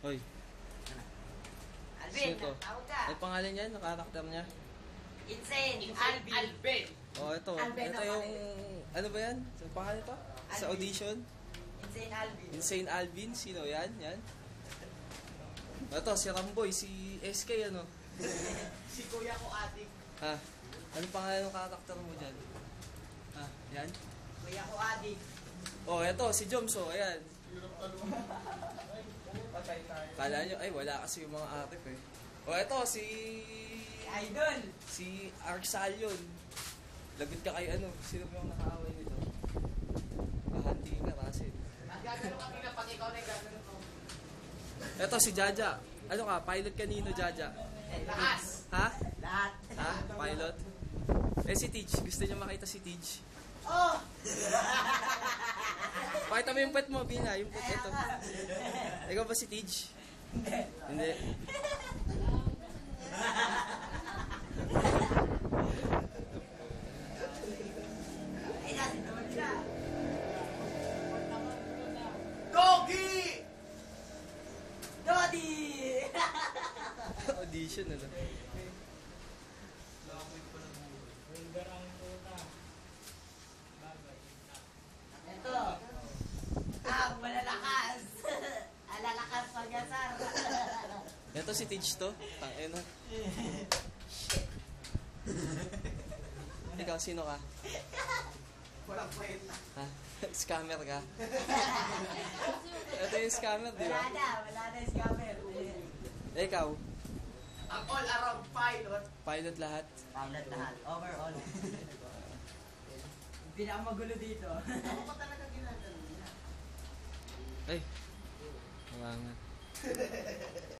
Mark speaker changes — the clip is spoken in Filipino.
Speaker 1: Hoy,
Speaker 2: Alvin,
Speaker 1: sino to?
Speaker 2: tawag ka.
Speaker 1: Ay, pangalan niya, karakter niya.
Speaker 2: Insane, Alvin.
Speaker 3: Alvin.
Speaker 1: Oh, ito.
Speaker 2: Alvin
Speaker 1: Ito
Speaker 2: ang
Speaker 1: yung, ano ba yan? Sa pangalan ito? Sa
Speaker 2: Alvin.
Speaker 1: audition?
Speaker 2: Insane Alvin.
Speaker 1: Insane Alvin, sino yan? Yan? Ito, si Ramboy, si SK, ano?
Speaker 3: Si kuya ko adik.
Speaker 1: Ha? Ano pangalan ng karakter mo dyan? Ha? Yan?
Speaker 2: Kuya ko adik.
Speaker 1: Oh, ito, si Jomso, ayan. Kala nyo, ay, wala kasi yung mga artip eh. Oh, ito, si
Speaker 2: Idol.
Speaker 1: Arxalion. Lagot ka kay ano, sino ba yung nakaaway nito? Kahanti ka, Russell.
Speaker 3: Nagagano kami na pag ikaw na gagano ko.
Speaker 1: Ito, si Jaja. Ano ka, pilot kanino, Jaja?
Speaker 3: Lakas.
Speaker 1: Ha?
Speaker 2: Lahat.
Speaker 1: Ha? Pilot? Eh, si Teach. Gusto niyo makita si Teach?
Speaker 2: Oh!
Speaker 1: Pakita mo yung pet mo, Bina. Yung pet ito. Ikaw ba si Teach? Hindi.
Speaker 2: Ay, nasa naman siya.
Speaker 3: Doggy!
Speaker 2: Dodi!
Speaker 1: Audition, ano?
Speaker 2: Ito. Ang malalakas. Alalakas pag-asar.
Speaker 1: Ito si Teach to. Tangina. Ikaw, sino ka?
Speaker 3: Walang kwenta.
Speaker 1: Ha? Scammer ka? Ito yung scammer, di ba?
Speaker 2: Wala na yung scammer.
Speaker 1: Ikaw,
Speaker 3: Ang all-around pilot.
Speaker 1: pilot lahat.
Speaker 2: Pilot lahat. Overall. Pinakamagulo dito.
Speaker 3: Ako pa talaga ginagano niya.
Speaker 1: Ay. Mga nga.